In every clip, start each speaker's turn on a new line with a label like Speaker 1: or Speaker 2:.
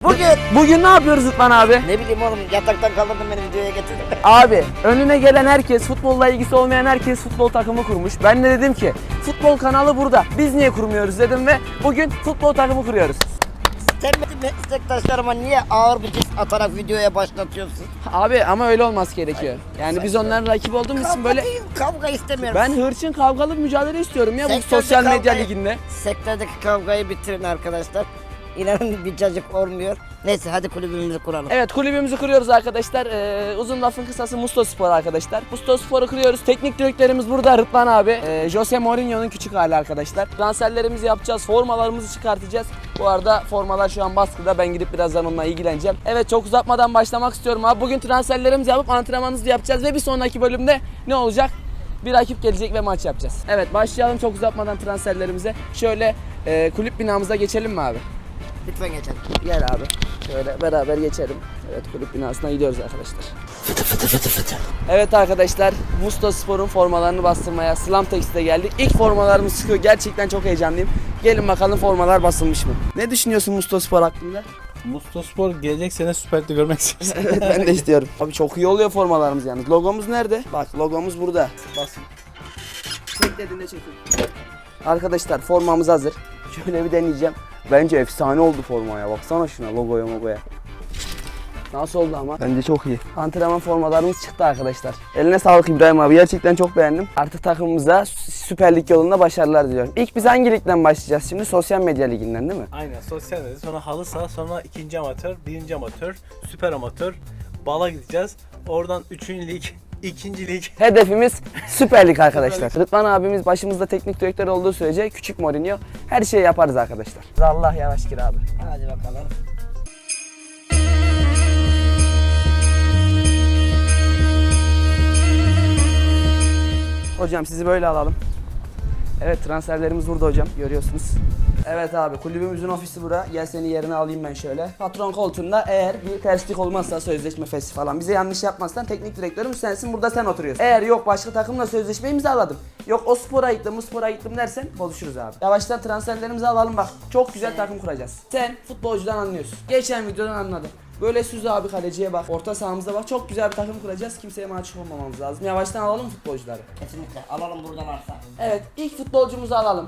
Speaker 1: Bugün ne yapıyoruz Rıdvan abi?
Speaker 2: Ne bileyim oğlum, yataktan kaldırdın beni, videoya getirdin.
Speaker 1: Abi önüne gelen herkes, futbolla ilgisi olmayan herkes futbol takımı kurmuş. Ben de dedim ki futbol kanalı burada. Biz niye kurmuyoruz dedim ve bugün futbol takımı kuruyoruz.
Speaker 2: Sen benim meslektaşlarıma niye ağır bir diss atarak videoya başlatıyorsun?
Speaker 1: Abi ama öyle olması gerekiyor. Yani biz onların rakibi olduğumuz için böyle...
Speaker 2: Kavga istemiyorum.
Speaker 1: Ben hırçın kavgalı bir mücadele istiyorum ya bu
Speaker 2: Sektörde
Speaker 1: sosyal medya
Speaker 2: kavgayı-
Speaker 1: liginde.
Speaker 2: Sektördeki kavgayı bitirin arkadaşlar. İnanın bir cacık olmuyor. Neyse hadi kulübümüzü kuralım.
Speaker 1: Evet, kulübümüzü kuruyoruz arkadaşlar. Uzun lafın kısası Musto Spor arkadaşlar. Musto Spor'u kuruyoruz. Teknik direktörümüz burada Rıdvan abi. Jose Mourinho'nun küçük hali arkadaşlar. Transferlerimizi yapacağız. Formalarımızı çıkartacağız. Bu arada formalar şu an baskıda. Ben gidip birazdan onunla ilgileneceğim. Evet, çok uzatmadan başlamak istiyorum abi. Bugün transferlerimizi yapıp antrenmanımızı yapacağız ve bir sonraki bölümde ne olacak? Bir rakip gelecek ve maç yapacağız. Evet, başlayalım çok uzatmadan transferlerimize. Şöyle kulüp binamıza geçelim mi abi?
Speaker 2: Lütfen geçelim.
Speaker 1: Gel abi. Şöyle beraber geçelim. Evet, kulüp binasına gidiyoruz arkadaşlar.
Speaker 2: Fıtı fıtı fıtı fıtı.
Speaker 1: Evet arkadaşlar, Musto Spor'un formalarını bastırmaya Slam Textil'e geldik. İlk formalarımız çıkıyor. Gerçekten çok heyecanlıyım. Gelin bakalım formalar basılmış mı? Ne düşünüyorsun Musto Spor hakkında?
Speaker 3: Mustospor gelecek sene Süper Lig'de görmek istiyoruz.
Speaker 1: Evet, ben de istiyorum. Abi çok iyi oluyor formalarımız yalnız. Logomuz nerede? Bak, logomuz burada.
Speaker 3: Basın.
Speaker 1: Çek dediğinde çekin. Arkadaşlar, formamız hazır. Şöyle bir deneyeceğim. Bence efsane oldu formaya. Baksana şuna, logoya. Nasıl oldu ama? Bence çok iyi. Antrenman formalarımız çıktı arkadaşlar. Eline sağlık İbrahim abi. Gerçekten çok beğendim. Artık takımımıza Süper Lig yolunda başarılar diliyorum. İlk biz hangi ligden başlayacağız şimdi? Sosyal medya liginden değil mi?
Speaker 3: Aynen, sosyal medya, sonra halı saha, sonra ikinci amatör, birinci amatör, süper amatör, bala gideceğiz. Oradan 3. lig, 2. lig.
Speaker 1: Hedefimiz Süper Lig arkadaşlar. Rıdvan abimiz başımızda teknik direktör olduğu sürece küçük Mourinho her şeyi yaparız arkadaşlar. Allah yavaş gir abi.
Speaker 2: Hadi bakalım.
Speaker 1: Hocam sizi böyle alalım. Evet, transferlerimiz burada hocam, görüyorsunuz. Evet abi, kulübümüzün ofisi bura. Gel seni yerine alayım ben şöyle. Patron koltuğunda eğer bir terslik olmazsa, sözleşme fesli falan, bize yanlış yapmazsan teknik direktörümüz sensin, burada sen oturuyorsun. Eğer yok başka takımla sözleşme imzaladım, yok o spora gittim, bu spora gittim dersen konuşuruz abi. Yavaştan transferlerimizi alalım bak. Çok güzel takım kuracağız. Sen futbolcudan anlıyorsun. Geçen videodan anladım. Böyle Süz abi kaleciye bak, orta sahamıza bak. Çok güzel bir takım kuracağız. Kimseye mahcup olmamamız lazım. Yavaştan alalım futbolcuları.
Speaker 2: Kesinlikle alalım buradan arsa.
Speaker 1: Evet, ilk futbolcumuzu alalım.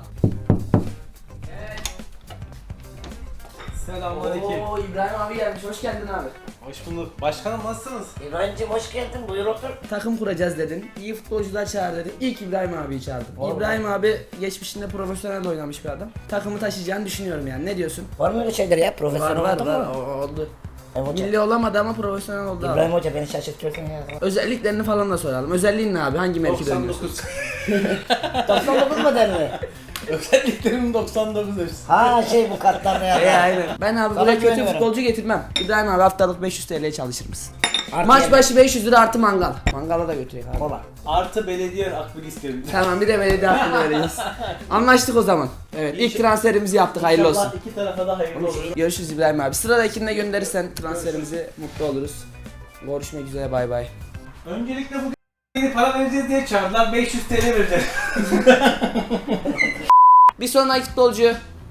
Speaker 3: Selamünaleyküm.
Speaker 1: Oo, İbrahim abi gelmiş. Hoş geldin abi.
Speaker 3: Hoş bulduk. Başkanım nasılsınız?
Speaker 2: İbrahim'ciğim hoş geldin, buyur otur.
Speaker 1: Takım kuracağız dedin. İyi futbolcular çağır dedin. İlk İbrahim abiyi çağırdım.
Speaker 3: Vallahi.
Speaker 1: İbrahim abi geçmişinde profesyonel oynamış bir adam. Takımı taşıyacağını düşünüyorum yani. Ne diyorsun?
Speaker 2: Var mı öyle şeyler ya? Profesyonel oldu mu?
Speaker 1: Oldu.
Speaker 2: Hoca.
Speaker 1: Milli olamadı ama profesyonel oldu
Speaker 2: İbrahim
Speaker 1: abi.
Speaker 2: Hoca beni şaşırtıyorsun ya.
Speaker 1: Özelliklerini falan da soralım. Özelliğin ne abi? Hangi mevkide oynuyorsun?
Speaker 2: 99 model mi?
Speaker 3: Özelliklerim 99 hepsi.
Speaker 2: Ha şey bu kartlarda ya.
Speaker 1: Aynen. Ben abi
Speaker 2: Sana
Speaker 1: buraya kötü
Speaker 2: güveniyorum.
Speaker 1: futbolcu getirmem. İbrahim abi haftalık 500 TL çalışır mısın?
Speaker 2: Artı
Speaker 1: Maç
Speaker 2: yani.
Speaker 1: başı 500 lira artı mangal. Mangala da götürüyor abi.
Speaker 2: Baba.
Speaker 3: Artı belediye akbil istiyorum.
Speaker 1: Tamam, bir de belediye hakkını vereceğiz. Anlaştık o zaman. Evet, ilk transferimizi yaptık, hayırlı olsun.
Speaker 3: İnşallah iki tarafa da hayırlı olur.
Speaker 1: Görüşürüz İbrahim abi. Sıradakine gönderirsen transferimizi mutlu oluruz. Görüşmek üzere, bay bay.
Speaker 3: Öncelikle bugün yeni para vereceğiz diye çağırdılar. 500 TL vereceğiz.
Speaker 1: Bir sonraki futbolcu.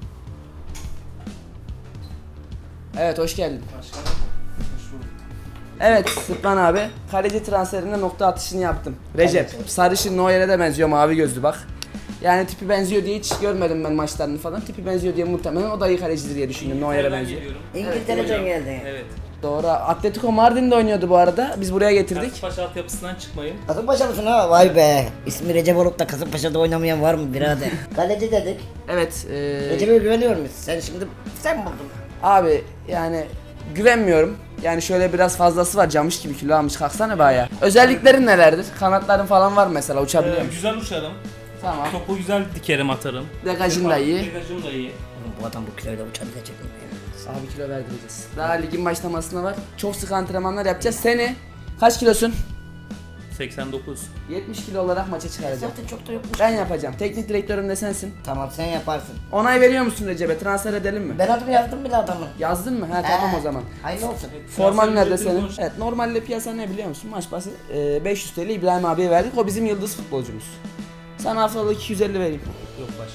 Speaker 1: Evet, hoş geldin.
Speaker 3: Başkanım. Hoş bulduk.
Speaker 1: Evet Rıdvan abi, kaleci transferinde nokta atışını yaptım. Recep, sarışın Neuer'e de benziyor, mavi gözlü bak. Yani tipi benziyor diye hiç görmedim ben maçlarını falan. Tipi benziyor diye muhtemelen o da iyi kalecidir diye düşündüm, Neuer'e benziyor.
Speaker 2: İngiltere'den geldin.
Speaker 4: Evet.
Speaker 1: Doğru, Atletico Mardin'de oynuyordu bu arada. Biz buraya getirdik.
Speaker 4: Kasımpaşa altyapısından çıkmayın.
Speaker 2: Kasımpaşa mısın ha? Vay be. İsmi Recep olup da Kasımpaşa'da oynamayan var mı birader? Kaleci dedik.
Speaker 1: Evet,
Speaker 2: Recep'e güveniyor muyuz? Sen buldun.
Speaker 1: abi yani güvenmiyorum. Yani şöyle biraz fazlası var, camış gibi kilo almış, kalksana be ayağa. Özelliklerin nelerdir? Kanatların falan var mesela, uçabiliyor musun?
Speaker 4: Güzel uçarım.
Speaker 1: Tamam.
Speaker 4: Topu güzel dikerim atarım.
Speaker 1: Degajın da iyi.
Speaker 4: Degajım da iyi.
Speaker 2: Oğlum bu adam bu kiloyla uçabilecek mi?
Speaker 1: Abi kilo verdireceğiz. Daha ligin başlamasına var. Çok sık antrenmanlar yapacağız. Seni kaç kilosun?
Speaker 4: 89.
Speaker 1: 70 kilo olarak maça çıkaracağım.
Speaker 2: Zaten çok da yokmuş.
Speaker 1: Ben yapacağım. Teknik direktörüm de sensin.
Speaker 2: Tamam sen yaparsın.
Speaker 1: Onay veriyor musun Recep'e? Transfer edelim mi?
Speaker 2: Ben adımı yazdım bile adamın.
Speaker 1: Yazdın mı? Ha tamam o zaman.
Speaker 2: Hayırlı olsun.
Speaker 1: Forman
Speaker 4: Transfer
Speaker 1: nerede
Speaker 4: ücreti
Speaker 1: senin?
Speaker 4: boş.
Speaker 1: Evet, normalde piyasa ne biliyor musun? Maç başı 500 TL İbrahim abiye verdik. O bizim yıldız futbolcumuz. Sana haftalık 250 vereyim.
Speaker 4: Yok başka.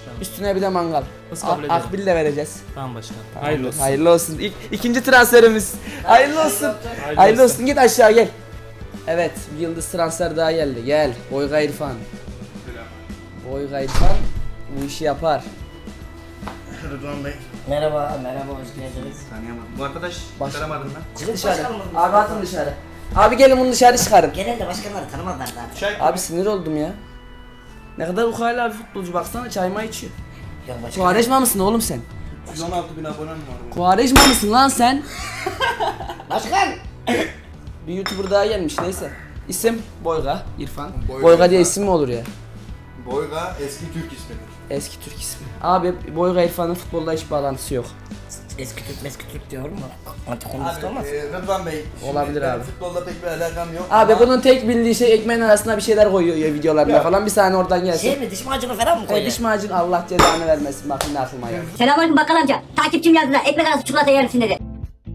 Speaker 1: Üstüne bir de mangal.
Speaker 4: Nasıl kabul ediyorum?
Speaker 1: Akbil de vereceğiz.
Speaker 4: Tamam başkanım.
Speaker 1: Hayırlı olsun. Hayırlı olsun. İkinci transferimiz. Hayırlı olsun. Hayırlı olsun. Git aşağı gel. Evet, bir yıldız transfer daha geldi. Gel. Boyga İrfan. Boyga İrfan bu işi yapar.
Speaker 5: Rıdvan Bey.
Speaker 2: Merhaba, hoş geldiniz.
Speaker 5: Tanıyamadım. Bu arkadaş
Speaker 1: Baş-
Speaker 5: tanımadım ben.
Speaker 2: Bizim
Speaker 1: Dışarı.
Speaker 2: başkanımız.
Speaker 1: Abi atın dışarı. Abi gelin bunu dışarı çıkarın.
Speaker 2: Genelde başkanları tanımazlar zaten.
Speaker 1: Abi sinir oldum ya. Ne kadar ukala bir futbolcu, baksana çayma içiyor.
Speaker 2: Yok başkan.
Speaker 1: Kuvareşma mısın oğlum sen?
Speaker 5: 116.000 abonem var.
Speaker 1: Kuvareşma mısın lan sen?
Speaker 2: Başkan!
Speaker 1: Bir YouTuber daha gelmiş, neyse. İsim Boyga İrfan.
Speaker 5: Boyga
Speaker 1: Boyga diye
Speaker 5: İrfan.
Speaker 1: isim mi olur ya?
Speaker 5: Boyga eski Türk ismidir.
Speaker 1: Eski Türk ismi. Abi Boyga İrfan'ın futbolla hiç bağlantısı yok.
Speaker 2: Eski Türk diyorum mu? Antikomünist olmaz.
Speaker 5: Rıdvan Bey. şimdi
Speaker 1: Olabilir
Speaker 5: ben
Speaker 1: abi.
Speaker 5: Futbolla pek bir alakam yok.
Speaker 1: Abi
Speaker 5: ama
Speaker 1: bunun tek bildiği şey ekmeğin arasına bir şeyler koyuyor ya videolarında
Speaker 5: Ya.
Speaker 1: falan. Bir saniye oradan gelsin.
Speaker 2: Şey mi, diş macunu falan mı koyuyor?
Speaker 1: Diş macun Allah cezanı vermesin, bak yine aklıma geldi.
Speaker 6: Selamünaleyküm bakkal amca. Takipçim yazdı da ekmek arası çikolata yer misin dedi.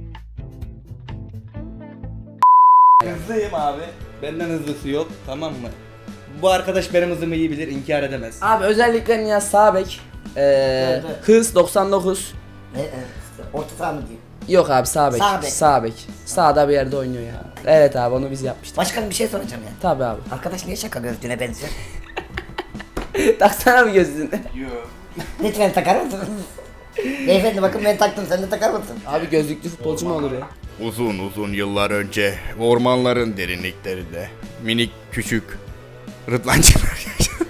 Speaker 5: hızlıyım abi. Benden hızlısı yok, tamam mı? Bu arkadaş benim hızımı iyi bilir, inkar edemez.
Speaker 1: Abi özellikle Nihat sağ bek.
Speaker 2: Evet.
Speaker 1: Hız 99.
Speaker 2: Orta saha mı diyeyim?
Speaker 1: Yok abi sağ bek.
Speaker 2: Sağ bek.
Speaker 1: Sağ bek. Sağda bir yerde oynuyor ya. Evet abi onu biz yapmıştık.
Speaker 2: Başkanım bir şey soracağım ya.
Speaker 1: Tabi abi.
Speaker 2: Arkadaş niye şaka gözlüğüne benziyor?
Speaker 1: Taksana bir gözlüğünü.
Speaker 5: Yok.
Speaker 2: Lütfen takar mısınız? Beyefendi bakın ben taktım, sen de takar mısın?
Speaker 1: Abi gözlüklü futbolcu mu olur ya?
Speaker 7: Uzun uzun yıllar önce ormanların derinliklerinde minik küçük rıdvancılar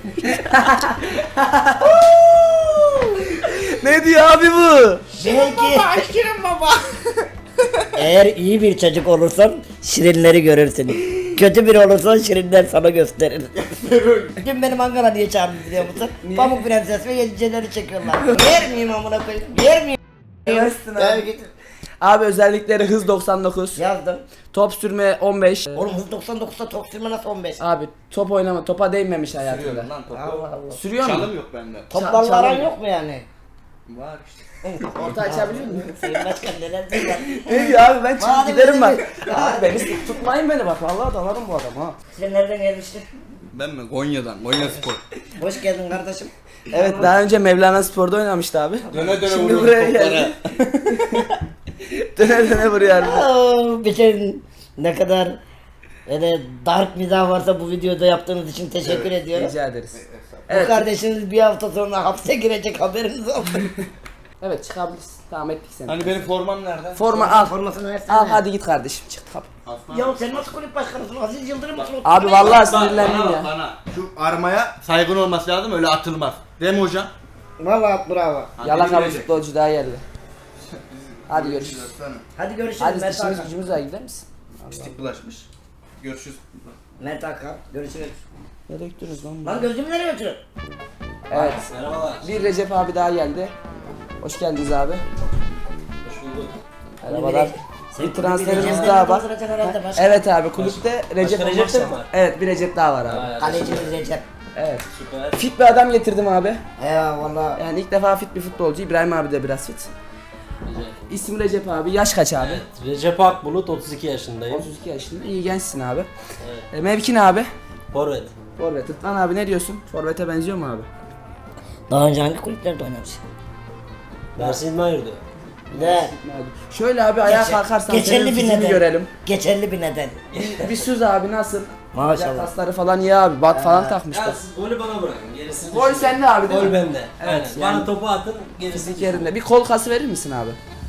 Speaker 1: Ne diyor abi bu?
Speaker 2: Belki... Eğer iyi bir çocuk olursan şirinleri görürsün. Kötü biri olursan şirinler sana gösterir. Dün beni mangala niye çağırdın biliyor musun? Pamuk Prenses ve yediceleri çekiyorlar. Yer miyim amına koyayım? Yer miyim?
Speaker 1: Yemezsin
Speaker 2: Gel
Speaker 1: abi.
Speaker 2: git.
Speaker 1: Abi özellikleri hız 99.
Speaker 2: Yazdım.
Speaker 1: Top sürme 15.
Speaker 2: Oğlum hız 99'da top sürme nasıl 15?
Speaker 1: Abi top oynama, topa değmemiş hayatında.
Speaker 5: Sürüyorum lan topu.
Speaker 2: Allah Allah.
Speaker 1: Sürüyor mu?
Speaker 5: Çalım yok bende.
Speaker 2: Toplarla
Speaker 1: çalım
Speaker 2: aran
Speaker 1: yok.
Speaker 2: yok mu yani?
Speaker 5: Var işte.
Speaker 1: Orta açabiliyor musun?
Speaker 2: Sayın Başkan neler diyorlar?
Speaker 1: Ne diyor abi, ben çıkıp
Speaker 2: Madem
Speaker 1: giderim bak.
Speaker 2: öyle
Speaker 1: Abi beni tutmayın beni bak, vallahi dalarım bu adamı ha.
Speaker 2: Sen nereden gelmiştin?
Speaker 5: Ben mi? Konya'dan, Konya Spor.
Speaker 2: Hoş geldin kardeşim.
Speaker 1: Evet, daha önce Mevlana Spor'da oynamıştı abi.
Speaker 5: Döne döne
Speaker 1: Şimdi
Speaker 5: vuruyorum
Speaker 1: buraya
Speaker 5: toplara.
Speaker 1: geldi. Döne döne vuruyor abi.
Speaker 2: Bir şey ne kadar öyle dark mizah varsa bu videoda yaptığınız için teşekkür ediyorum.
Speaker 1: Rica ederiz.
Speaker 2: Bu
Speaker 1: Evet.
Speaker 2: kardeşiniz bir hafta sonra hapse girecek, haberiniz olsun.
Speaker 1: Evet, çıkabiliriz. Tamam, ettik seni.
Speaker 5: Hani benim formam nerede?
Speaker 1: Forma al.
Speaker 2: Formasını versene.
Speaker 1: Al hadi git kardeşim, çık kapı.
Speaker 5: Aslan.
Speaker 2: Ya sen nasıl kulüp başkanısın? Aziz Yıldırım mısın?
Speaker 1: Abi vallahi sinirlendim ya.
Speaker 5: Bana şu armaya saygın olması lazım, öyle atılmaz. Değil mi hocam?
Speaker 2: Valla bravo.
Speaker 1: Yalakalı futbolcu daha geldi. Hadi görüşürüz.
Speaker 2: Hadi görüşürüz
Speaker 1: Hadi
Speaker 2: Mert
Speaker 1: işimiz
Speaker 2: Hakan.
Speaker 1: gücümüz var, gider misin?
Speaker 5: Pislik bulaşmış. Görüşürüz.
Speaker 2: Mert Hakan görüşürüz.
Speaker 1: Nereye gittiniz lan?
Speaker 2: Lan gözümü nereye götürün?
Speaker 1: Evet.
Speaker 5: Merhabalar.
Speaker 1: Bir Recep abi daha geldi. Hoş geldiniz abi.
Speaker 3: Hoş bulduk.
Speaker 1: Merhabalar.
Speaker 2: Sen
Speaker 1: Bir transferimiz
Speaker 2: Recep'ten
Speaker 1: daha var.
Speaker 2: dolduracak herhalde başkan.
Speaker 1: Evet abi, kulüpte Recep
Speaker 3: Recep
Speaker 1: olmazsa-
Speaker 3: de mi var?
Speaker 1: Evet, bir Recep daha var abi.
Speaker 2: Kalecimiz Recep.
Speaker 1: Evet.
Speaker 3: Süper.
Speaker 1: Fit bir adam getirdim abi.
Speaker 2: Eyvallah.
Speaker 1: Yani ilk defa fit bir futbolcu. İbrahim abi de biraz fit. İsim Recep abi. Yaş kaç abi?
Speaker 8: Recep Akbulut 32 yaşındayım.
Speaker 1: 32 yaşında. İyi gençsin abi. Mevki ne abi?
Speaker 8: Forvet.
Speaker 1: Forvet. Rıdvan abi ne diyorsun? Forvet'e benziyor mu abi?
Speaker 2: Daha önce hangi kulüplerde oynamış?
Speaker 8: Mersin Mayur'du.
Speaker 2: Ne?
Speaker 1: Şöyle abi ayağa kalkarsan
Speaker 2: geçerli
Speaker 1: senin
Speaker 2: bir
Speaker 1: fizini
Speaker 2: neden.
Speaker 1: görelim.
Speaker 2: Geçerli bir neden.
Speaker 1: Bir süz abi, nasıl?
Speaker 2: Maşallah.
Speaker 1: Kasları falan iyi abi. Bat falan takmış
Speaker 8: Ya
Speaker 1: bak.
Speaker 8: siz golü bana bırakın. Gerisini
Speaker 1: Gol sende abi değil
Speaker 8: Gol
Speaker 1: mi?
Speaker 8: bende.
Speaker 1: Evet,
Speaker 8: Aynen.
Speaker 1: yani-
Speaker 8: Bana topu atın gerisini.
Speaker 1: Fizik yerinde. Bir kol kası verir misin abi?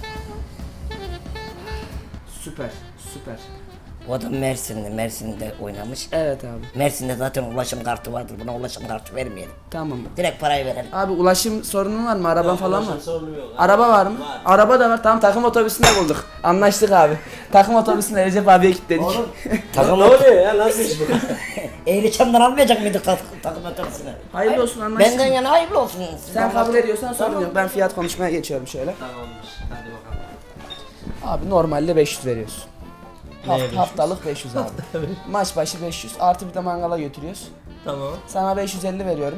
Speaker 1: Süper. Süper.
Speaker 2: O adam Mersin'de oynamış.
Speaker 1: Evet abi.
Speaker 2: Mersin'de zaten ulaşım kartı vardır. Buna ulaşım kartı vermeyelim.
Speaker 1: Tamam.
Speaker 2: Direkt parayı verelim.
Speaker 1: Abi ulaşım sorunun var mı? Araban falan var.
Speaker 8: Ulaşım sorunu yok.
Speaker 1: Araba var mı?
Speaker 8: Var.
Speaker 1: Araba da var. Tamam, takım otobüsünde bulduk. Anlaştık abi. Takım otobüsünde Recep abiye kilitledik.
Speaker 2: Takım
Speaker 8: Ne oluyor ya? Nasıl iş bu?
Speaker 2: Eğliçam'dan almayacak mıydık takım otobüsünü?
Speaker 1: Hayırlı olsun, anlaştık.
Speaker 2: Benden yana hayırlı olsun.
Speaker 1: Sen kabul ediyorsan sorun yok. Ben fiyat konuşmaya geçiyorum şöyle.
Speaker 8: Tamamdır. Hadi bakalım.
Speaker 1: Abi normalde 500 veriyorsun.
Speaker 8: Neye 500?
Speaker 1: Haftalık 500 abi. Maç başı 500. Artı bir de mangala götürüyoruz.
Speaker 8: Tamam.
Speaker 1: Sana 550 veriyorum.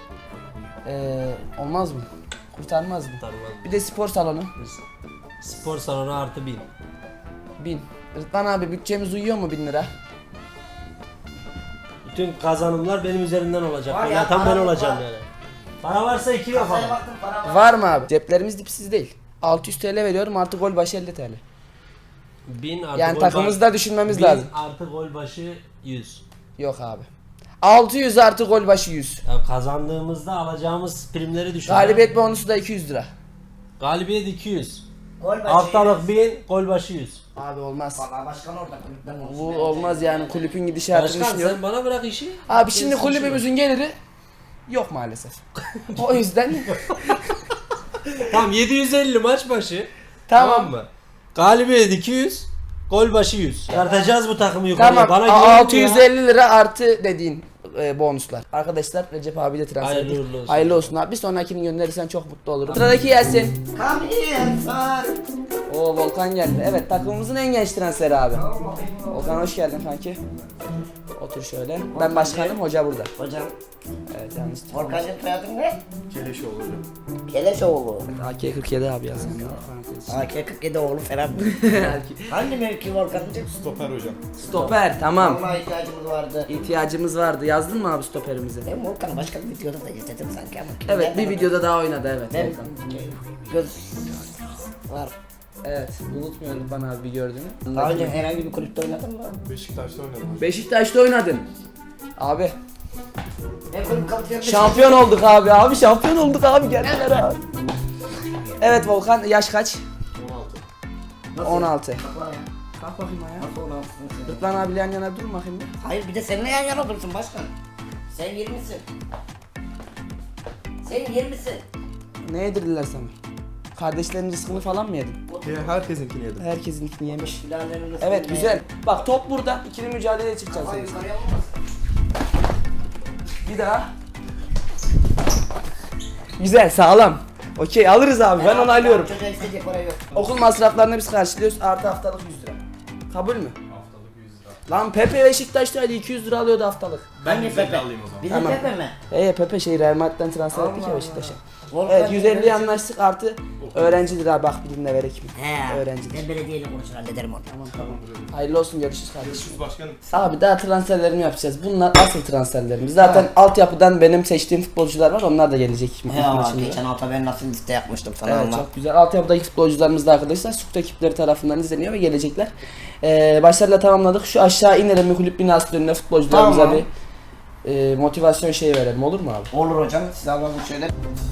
Speaker 1: Olmaz mı? Kurtarmaz mı?
Speaker 8: Tamam.
Speaker 1: Bir de spor salonu.
Speaker 8: Spor salonu artı 1000.
Speaker 1: 1000. Rıdvan abi bütçemiz uyuyor mu 1000 lira?
Speaker 8: Bütün kazanımlar benim üzerimden olacak.
Speaker 2: Var ya,
Speaker 8: Yatan ben
Speaker 2: param
Speaker 8: olacağım
Speaker 2: var.
Speaker 8: yani. Para varsa 2 yapalım.
Speaker 1: Var mı abi? Ceplerimiz dipsiz değil. 600 TL veriyorum artı gol başı 50 TL.
Speaker 8: 1000 artı
Speaker 1: Yani
Speaker 8: gol
Speaker 1: takımımızı da düşünmemiz
Speaker 8: 1000
Speaker 1: lazım.
Speaker 8: artı gol başı 100.
Speaker 1: Yok abi. 600 artı gol başı 100.
Speaker 8: Ya kazandığımızda alacağımız primleri düşün.
Speaker 1: Galibiyet bonusu da 200 lira.
Speaker 8: Galibiyet 200.
Speaker 2: Gol başı.
Speaker 8: Haftalık 1000, gol başı 100.
Speaker 1: Abi olmaz.
Speaker 2: Valla başkan orada kulüpten
Speaker 1: Bu
Speaker 2: konuşuyor.
Speaker 1: olmaz yani kulübün gidişatını
Speaker 8: Başkan
Speaker 1: düşünüyorum.
Speaker 8: sen bana bırak işi.
Speaker 1: Abi şimdi
Speaker 8: Gerisi
Speaker 1: kulübümüzün geliri yok maalesef. O yüzden
Speaker 8: Tamam 750 maç başı.
Speaker 1: tamam.
Speaker 8: mı? Galibiyet 200, gol başı 100. Tartacağız bu takımı yukarıya.
Speaker 1: Tamam.
Speaker 8: Bana güven ya.
Speaker 1: 650 lira artı dediğin bonuslar. Arkadaşlar Recep abi de transfer
Speaker 8: Hayırlı
Speaker 1: ettik.
Speaker 8: uğurlu olsun.
Speaker 1: Hayırlı olsun abi. Bir sonrakini gönderirsen çok mutlu olurum. Sıradaki gelsin.
Speaker 2: Kamil
Speaker 1: Oo Volkan geldi. Evet takımımızın en genç transferi abi. Volkan hoş geldin kanki. Otur şöyle. Ben başkanım, hoca burada.
Speaker 2: Hocam,
Speaker 1: Evet yanlış.
Speaker 2: Volkan'cığım soyadın ne? Keleşoğlu. Keleşoğlu.
Speaker 1: AK-47 abi yazın.
Speaker 2: AK-47 oğlu falan. Hangi mevki Volkan'cığım?
Speaker 1: Stoper tamam.
Speaker 2: Vallahi ihtiyacımız vardı.
Speaker 1: İhtiyacımız vardı. Yazdın mı abi stoperimizi?
Speaker 2: Ben Volkan'ı başka bir videoda da izledim sanki ama.
Speaker 1: Evet bir videoda daha oynadı evet.
Speaker 2: Ben
Speaker 1: Volkan.
Speaker 2: göz var.
Speaker 1: Evet unutmuyorum bana abi bir gördüğünü.
Speaker 2: Daha önce herhangi bir kulüpte oynadın mı?
Speaker 1: Beşiktaş'ta oynadın. Abi
Speaker 2: Ben kulüp kapatıyor.
Speaker 1: şampiyon olduk abi. Abi şampiyon olduk abi geldiler abi. Evet Volkan yaş kaç? 16. Kalk bakayım ayağa. Rıdvan abiyle yan yana dur bakayım bir.
Speaker 2: Hayır bir de seninle yan yana dursun başkan. Sen 20'sin. Sen 20'sin.
Speaker 1: Ne yedirdiler sana? Kardeşlerin rızkını falan mı yedin?
Speaker 5: Herkesinkini yedim.
Speaker 1: Herkesinkini yemiş.
Speaker 2: Silahlarını nasıl
Speaker 1: Evet
Speaker 2: bilmeye-
Speaker 1: güzel. Bak top burada. İkili mücadeleye çıkacağız.
Speaker 2: Hayır
Speaker 1: biz.
Speaker 2: yukarıya olmaz.
Speaker 1: Bir daha. Güzel sağlam. Okey alırız abi ben onu alıyorum.
Speaker 2: Çocuğa isteyecek para yok.
Speaker 1: Okul masraflarını biz karşılıyoruz. Artı haftalık 100 lira. Kabul mü? Haftalık 100 lira. Lan Pepe Beşiktaş'taydı 200 lira alıyordu haftalık.
Speaker 2: Hangi Pepe? Bizim
Speaker 1: Tamam.
Speaker 2: Pepe mi?
Speaker 1: Pepe Real Madrid'den transfer ettik ya
Speaker 2: Allah
Speaker 1: Beşiktaş'a.
Speaker 2: Volkan
Speaker 1: Evet 150
Speaker 2: Demirel-
Speaker 1: anlaştık artı öğrenci lira bak bilimle verek mi?
Speaker 2: He.
Speaker 1: Öğrenci.
Speaker 2: Ben belediyeyle konuşur hallederim onu.
Speaker 1: Hayırlı olsun görüşürüz kardeşim. Abi daha transferlerimi yapacağız. Bunlar asıl transferlerimiz. Zaten altyapıdan benim seçtiğim futbolcular var. Onlar da gelecek.
Speaker 2: He
Speaker 1: maçın
Speaker 2: ama
Speaker 1: içinde.
Speaker 2: geçen hafta ben nasıl liste yapmıştım sana
Speaker 1: Evet
Speaker 2: ama.
Speaker 1: çok güzel. Altyapıdaki futbolcularımız da arkadaşlar Sukut ekipleri tarafından izleniyor ve gelecekler. Başarıyla tamamladık. Şu aşağı inelim bir kulüp binası önüne futbolcularımıza
Speaker 2: Tamam.
Speaker 1: bir motivasyon şeyi verelim olur mu abi?
Speaker 2: Olur hocam size alalım şöyle.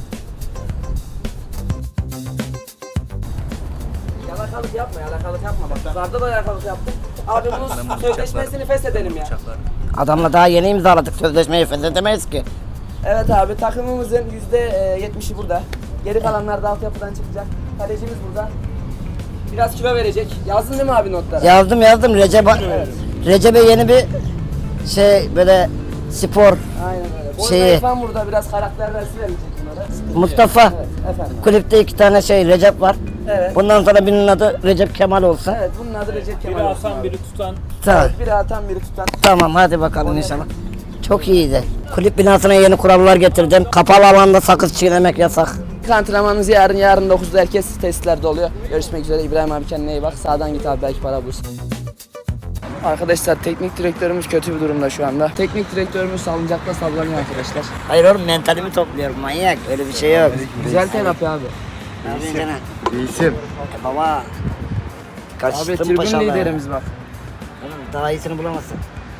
Speaker 1: Yalakalık yapma, yalakalık yapma. Bak yukarıda da yalakalık yaptık. Abi bunun sözleşmesini feshedelim ya.
Speaker 2: Adamla daha yeni imzaladık sözleşmeyi feshedemeyiz ki.
Speaker 1: Evet abi takımımızın %70'i burada. Geri kalanlar da altyapıdan çıkacak. Kalecimiz burada. Biraz kilo verecek. Yazdın değil mi abi notlara?
Speaker 2: Yazdım Recep'e yeni bir şey böyle spor
Speaker 1: Aynen öyle. Boyun
Speaker 2: Şeyi-
Speaker 1: İrfan burada biraz karakter dersi verecek bunlara.
Speaker 2: Mustafa
Speaker 1: Evet efendim.
Speaker 2: kulüpte 2 tane şey Recep var.
Speaker 1: Evet.
Speaker 2: Bundan sonra birinin adı Recep Kemal olsun.
Speaker 1: Evet bunun adı Recep Kemal
Speaker 4: Biri
Speaker 1: olsun
Speaker 4: atan
Speaker 1: abi.
Speaker 4: biri tutan.
Speaker 2: Tamam.
Speaker 1: Biri atan biri tutan.
Speaker 2: Tamam hadi bakalım inşallah. Çok iyiydi. Kulüp binasına yeni kurallar getirdim. Kapalı alanda sakız çiğnemek yasak.
Speaker 1: Antrenmanımız yarın 9'da herkes testlerde oluyor. Görüşmek üzere İbrahim abi kendine iyi bak. Sağdan git abi belki para bulursun. Arkadaşlar teknik direktörümüz kötü bir durumda şu anda. Teknik direktörümüz salıncakta sallanıyor arkadaşlar.
Speaker 2: Hayır oğlum mentalimi topluyorum manyak. Öyle bir şey yok.
Speaker 1: Güzel terapi abi.
Speaker 2: Ne yapıyorsun canım?
Speaker 5: İyisin.
Speaker 2: Baba.
Speaker 1: Abi
Speaker 2: Kaçtım
Speaker 1: tribün
Speaker 2: paşalar.
Speaker 1: liderimiz bak.
Speaker 2: Oğlum daha iyisini bulamazsın.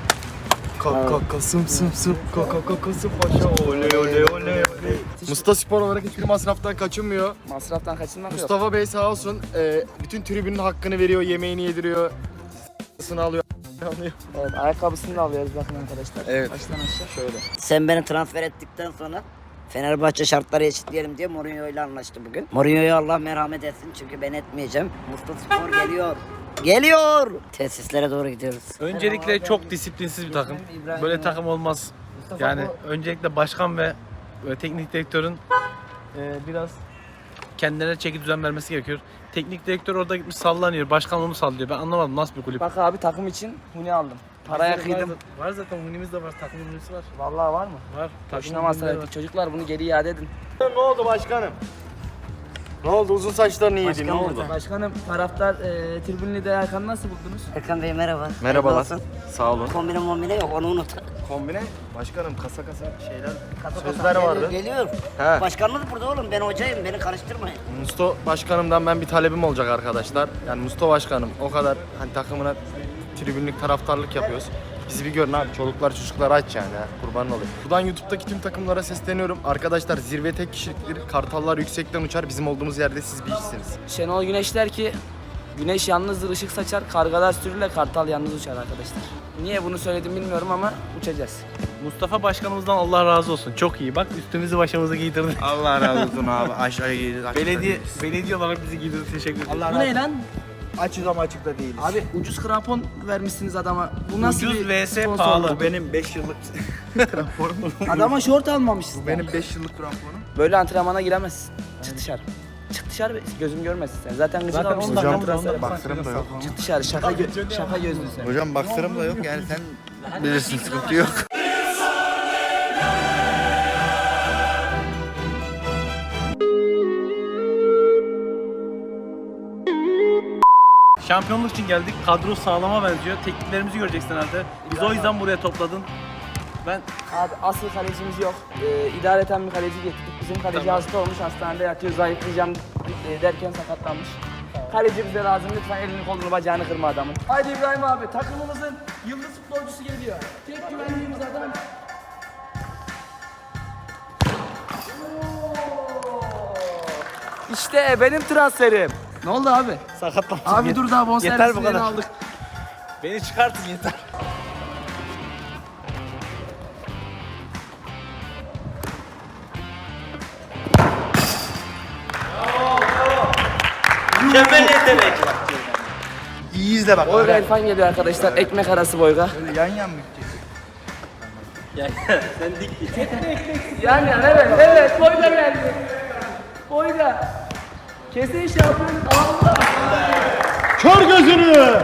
Speaker 5: Kasım kasım paşa oley oley oley. Mustafa Spor olarak hiçbir masraftan kaçınmıyor.
Speaker 1: Masraftan kaçınmak yok.
Speaker 5: Mustafa Bey sağ olsun bütün tribünün hakkını veriyor, yemeğini yediriyor. Alıyor.
Speaker 1: Evet ayakkabısını da alıyoruz bakın arkadaşlar.
Speaker 5: Evet.
Speaker 1: Baştan aşağı şöyle.
Speaker 2: Sen beni transfer ettikten sonra Fenerbahçe şartları eşitleyelim diye Mourinho ile anlaştı bugün. Mourinho'ya Allah merhamet etsin çünkü ben etmeyeceğim. Mustafa Spor geliyor. Geliyor. Tesislere doğru gidiyoruz.
Speaker 3: Öncelikle çok disiplinsiz bir takım. Böyle takım olmaz. Yani öncelikle başkan ve teknik direktörün biraz kendilerine çeki düzen vermesi gerekiyor. Teknik direktör orada gitmiş sallanıyor. Başkan onu sallıyor. Ben anlamadım nasıl bir kulüp.
Speaker 1: Bak abi takım için huni aldım. Paraya kıydım.
Speaker 3: Var zaten hunimiz de var. Takım hunimiz var.
Speaker 1: Vallahi var mı?
Speaker 3: Var.
Speaker 1: Boşuna masraf ettik. Çocuklar bunu geri iade edin.
Speaker 5: Ne oldu başkanım? Ne oldu? Uzun saçlarını yedin. Ne oldu?
Speaker 1: Başkanım taraftar tribün lideri Erkan'ı nasıl buldunuz?
Speaker 2: Erkan Bey merhaba.
Speaker 5: Merhabalar.
Speaker 2: Nasılsın?
Speaker 5: Sağ olun.
Speaker 2: Kombine yok onu unut.
Speaker 5: Kombine başkanım kasa şeyler
Speaker 2: Kasa
Speaker 5: sözler vardı.
Speaker 2: Geliyor.
Speaker 5: He.
Speaker 2: Başkanımız burada oğlum ben hocayım beni karıştırmayın.
Speaker 5: Musto başkanımdan ben bir talebim olacak arkadaşlar. Yani Musto başkanım o kadar hani takımına tribünlük taraftarlık yapıyoruz. Bizi bir görün abi çoluklar çocuklar aç yani ha. Kurban olayım. Buradan YouTube'daki tüm takımlara sesleniyorum. Arkadaşlar zirve tek kişiliktir. Kartallar yüksekten uçar. Bizim olduğumuz yerde siz bir işsiniz.
Speaker 1: Şenol Güneş der ki güneş yalnızdır ışık saçar, kargalar sürüyle kartal yalnız uçar arkadaşlar. Niye bunu söyledim bilmiyorum ama uçacağız.
Speaker 3: Mustafa Başkanımızdan Allah razı olsun. Çok iyi. Bak üstümüzü başımızı giydirdi.
Speaker 5: Allah razı olsun abi. Aşağıya gidiyoruz.
Speaker 3: Belediye olarak bizi giydirdi. Teşekkür ederim.
Speaker 1: Bu ne lan?
Speaker 5: Açız ama açıkta değiliz.
Speaker 1: Abi ucuz krampon vermişsiniz adama. Bu nasıl
Speaker 3: Ucuz
Speaker 1: bir
Speaker 3: vs
Speaker 1: sponsorluk?
Speaker 3: pahalı.
Speaker 5: Benim 5 yıllık kramponum.
Speaker 1: Adama şort almamışsın.
Speaker 5: Benim 5 yıllık kramponum.
Speaker 1: Böyle antrenmana giremezsin. Çık dışarı. Çık dışarı gözüm görmesin sen. Zaten gıcık
Speaker 3: Zaten
Speaker 1: almışsın.
Speaker 3: 10 dakika
Speaker 1: Hocam,
Speaker 3: sonra
Speaker 5: Baksırım da yok.
Speaker 1: çık dışarı şaka gözlü sen.
Speaker 5: Hocam baksırım da yok yani sen bilirsin sıkıntı yok.
Speaker 3: Şampiyonluk için geldik. Kadro sağlama benziyor. Tekniklerimizi göreceksin herhalde. Biz o yüzden buraya topladın. Ben
Speaker 1: Abi asıl kalecimiz yok. İdareten bir kaleci getirdik. Bizim kaleci hasta olmuş, hastanede yatıyor, zayıflayacağım derken sakatlanmış. Kaleci bize lazım, lütfen elini kolunu bacağını kırma adamın. Haydi İbrahim abi, takımımızın yıldız futbolcusu geliyor. Tek güvendiğimiz adam. İşte benim transferim. Ne oldu abi?
Speaker 3: sakatlandım.
Speaker 1: Abi dur daha
Speaker 3: Yeter bu
Speaker 1: bonservisini
Speaker 3: kadar.
Speaker 1: aldık.
Speaker 3: Beni çıkartın yeter.
Speaker 5: İyi izle bak.
Speaker 1: Boyga İrfan geliyor arkadaşlar, ekmek arası Boyga.
Speaker 5: Yan yan mı gideceğiz?
Speaker 1: Yani evet Boyga geldi. Boyga. Kesin şampiyon. Allah.
Speaker 8: Kör gözünü.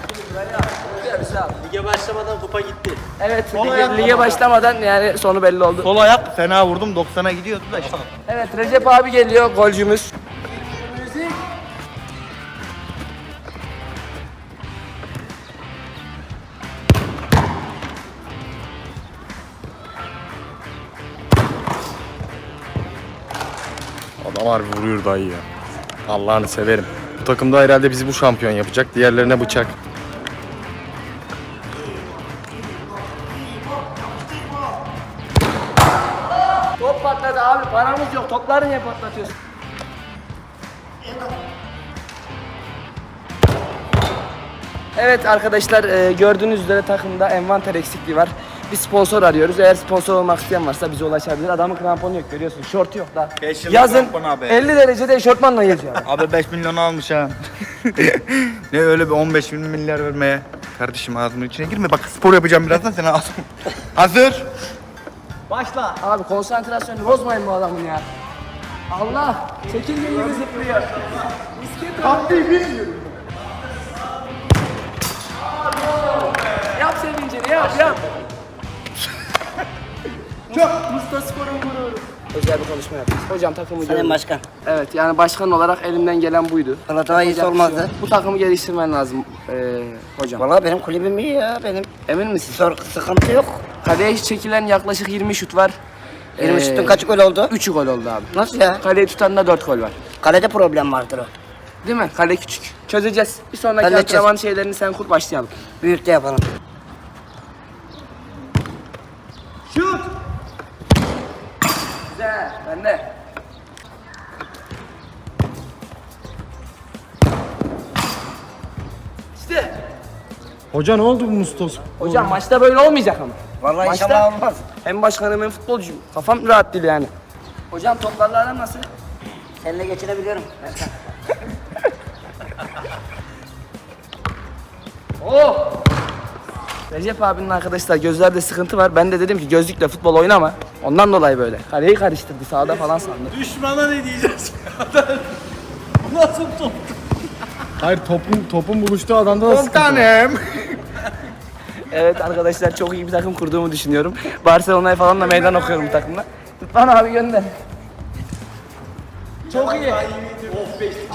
Speaker 1: Lige başlamadan kupa gitti. Evet, lige başlamadan yani sonu belli oldu.
Speaker 5: Sol ayak fena vurdum 90'a gidiyordu da işte.
Speaker 1: Evet, Recep abi geliyor, golcümüz.
Speaker 5: Adam harbi vuruyor dayı ya. Allah'ını severim. Bu takımda herhalde bizi bu şampiyon yapacak. Diğerlerine bıçak.
Speaker 1: Top patladı abi, paramız yok. Topları niye patlatıyorsun? Evet arkadaşlar, gördüğünüz üzere takımda envanter eksikliği var. Bir sponsor arıyoruz. Eğer sponsor olmak isteyen varsa bize ulaşabilir. Adamın kramponu yok, görüyorsun. Şortu yok da.
Speaker 5: 5 yıllık
Speaker 1: Yazın
Speaker 5: krampon abi.
Speaker 1: 50 derecede eşortmanla geziyor.
Speaker 5: Abi 5 milyon almış ha. Ne öyle bir 15 milyar vermeye. Kardeşim ağzımın içine girme. Bak spor yapacağım birazdan sen ağzım. Hazır.
Speaker 1: Başla. Abi konsantrasyonu bozmayın bu adamın ya. Allah! Çekirge gibi zıplıyor. Misket abi. Yap sevincini, yap. Çok. Mustafa Spor'un gururu. Özel bir konuşma yapacağız. Hocam takımı
Speaker 2: Sayın
Speaker 1: gördüm.
Speaker 2: Başkan.
Speaker 1: Evet, yani başkan olarak elimden gelen buydu.
Speaker 2: Valla daha iyisi
Speaker 1: Yapacak bir şey
Speaker 2: olmazdı.
Speaker 1: yok. Bu takımı geliştirmen lazım hocam.
Speaker 2: Valla benim kulübüm iyi ya benim.
Speaker 1: Emin misin?
Speaker 2: Sıkıntı yok.
Speaker 1: Kaleye çekilen yaklaşık 20 şut var.
Speaker 2: 20 şutun kaç gol oldu?
Speaker 1: 3'ü gol oldu abi.
Speaker 2: Nasıl ya?
Speaker 1: Kaleyi tutan da 4 gol var.
Speaker 2: Kalede problem vardır o.
Speaker 1: Değil mi? Kale küçük. Çözeceğiz. Bir sonraki
Speaker 2: Halledeceğiz.
Speaker 1: antrenman şeylerini sen kur, başlayalım.
Speaker 2: Büyükte yapalım.
Speaker 1: Şut! Güzel. Bende. İşte.
Speaker 8: Hoca ne oldu bu Mustafa?
Speaker 1: Hocam maçta böyle olmayacak ama.
Speaker 2: Vallahi
Speaker 1: Maçta
Speaker 2: inşallah olmaz.
Speaker 1: hem başkanım hem futbolcuyum. Kafam rahat değil yani. Hocam toplarla aran nasıl?
Speaker 2: Seninle geçirebiliyorum.
Speaker 1: Oh! Recep abinin arkadaşlar gözlerde sıkıntı var. Ben de dedim ki gözlükle futbol oynama. Ondan dolayı böyle. Kaleyi karıştırdı, sağda falan sandı.
Speaker 3: Düşmana ne diyeceğiz? Nasıl top?
Speaker 8: Hayır topun buluştuğu adamda da sıkıntı var.
Speaker 5: Tanem.
Speaker 1: Evet arkadaşlar, çok iyi bir takım kurduğumu düşünüyorum. Barcelona'ya falan da meydan okuyorum bu takımla. Rıdvan abi gönder. Çok iyi.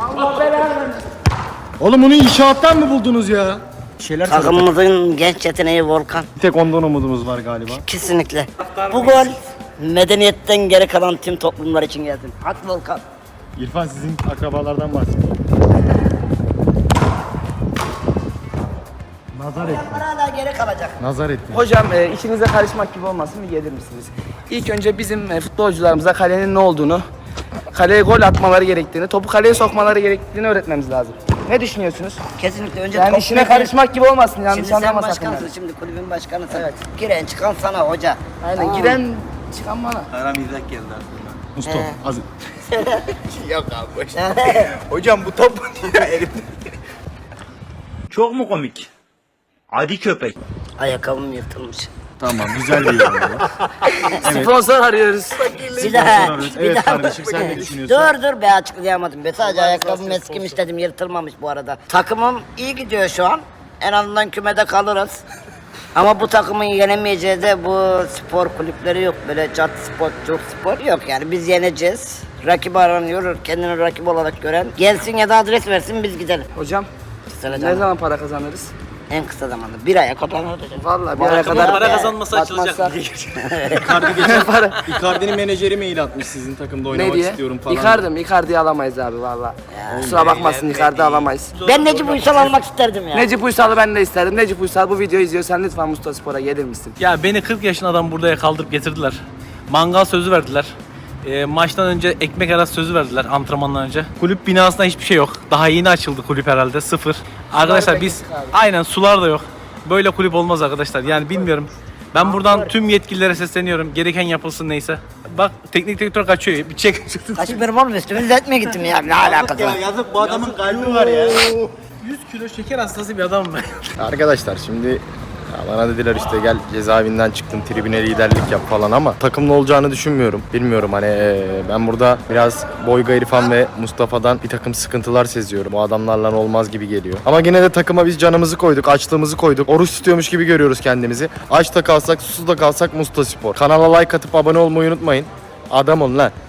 Speaker 5: Oğlum bunu inşaattan mı buldunuz ya?
Speaker 2: Takımımızın genç yeteneği Volkan.
Speaker 5: Bir tek ondan umudumuz var galiba.
Speaker 2: Kesinlikle. Bu gol medeniyetten geri kalan tüm toplumlar için gelsin. Hak Volkan.
Speaker 5: İrfan sizin akrabalardan bahsediyor. Nazar etti.
Speaker 2: Hala geri kalacak.
Speaker 5: Nazar etti.
Speaker 1: Hocam işinize karışmak gibi olmasın bir gelir misiniz? İlk önce bizim futbolcularımıza kalenin ne olduğunu, kaleye gol atmaları gerektiğini, topu kaleye sokmaları gerektiğini öğretmemiz lazım. Ne düşünüyorsunuz?
Speaker 2: Kesinlikle önce
Speaker 1: Yani
Speaker 2: top
Speaker 1: işine
Speaker 2: mekan-
Speaker 1: karışmak gibi olmasın yanlış
Speaker 2: Şimdi sen
Speaker 1: anlama sakın.
Speaker 2: başkansın,
Speaker 1: yani.
Speaker 2: şimdi kulübün başkanısın. Evet. Giren çıkan sana hoca.
Speaker 1: Aynen
Speaker 2: Tamam.
Speaker 1: giren çıkan bana.
Speaker 5: Mustafa az.
Speaker 7: Yok abi boş. Hocam bu top ya elimde.
Speaker 9: Çok mu komik? Adi köpek.
Speaker 2: Ayakkabım yırtılmış.
Speaker 5: Tamam güzel bir yorum.
Speaker 1: Sponsor arıyoruz.
Speaker 2: Bir daha.
Speaker 5: Evet kardeşim sen ne düşünüyorsun?
Speaker 2: Dur be açıklayamadım. Sadece ayakkabım eskimiş dedim yırtılmamış bu arada. Takımım iyi gidiyor şu an. En azından kümede kalırız. Ama bu takımın yenemeyeceği de bu spor kulüpleri yok. Böyle cat spor, çok spor yok yani. Biz yeneceğiz. Rakip aranıyor, kendini rakip olarak gören. Gelsin ya da adres versin biz gidelim.
Speaker 1: Hocam
Speaker 2: Kısa
Speaker 1: ne
Speaker 2: zaman.
Speaker 1: zaman para kazanırız?
Speaker 2: En kısa zamanda. Bir aya kapanır.
Speaker 1: Vallahi bir aya kadar
Speaker 4: Para kazanması açılacak.
Speaker 1: Para.
Speaker 5: Icardi'nin menajeri mail atmış sizin takımda
Speaker 1: Ne
Speaker 5: oynamak
Speaker 1: diye?
Speaker 5: istiyorum falan.
Speaker 1: Icardi'yi alamayız abi valla. Kusura bakmasın Icardi alamayız.
Speaker 2: Ben Necip Uysal almak isterdim ya.
Speaker 1: Necip Uysal'ı ben de isterim. Necip Uysal bu videoyu izliyorsan lütfen Mustafa Spor'a gelir misin?
Speaker 3: Ya beni 40 yaşında adam buraya kaldırıp getirdiler. Mangal sözü verdiler. Maçtan önce ekmek arası sözü verdiler antrenmandan önce. Kulüp binasında hiçbir şey yok. Daha yeni açıldı kulüp herhalde. Sıfır. Arkadaşlar biz aynen sular da yok. Böyle kulüp olmaz arkadaşlar. Yani bilmiyorum. Ben buradan tüm yetkililere sesleniyorum. Gereken yapılsın neyse. Bak teknik direktör kaçıyor. Bir çek.
Speaker 2: Kaçmıyorum oğlum üstümü düzeltmeye gittim ya. Ne alakası var?
Speaker 5: Yazık bu adamın kalbi var ya.
Speaker 3: 100 kilo şeker hastası bir adamım ben.
Speaker 5: Arkadaşlar şimdi ya bana dediler işte gel cezaevinden çıktın tribüne liderlik yap falan ama takımlı olacağını düşünmüyorum. Bilmiyorum hani ben burada biraz Boyga İrfan ve Mustafa'dan bir takım sıkıntılar seziyorum. O adamlarla olmaz gibi geliyor. Ama yine de takıma biz canımızı koyduk, açlığımızı koyduk. Oruç tutuyormuş gibi görüyoruz kendimizi. Aç da kalsak, susuz da kalsak Mustafa Spor. Kanala like atıp abone olmayı unutmayın. Adam olun lan.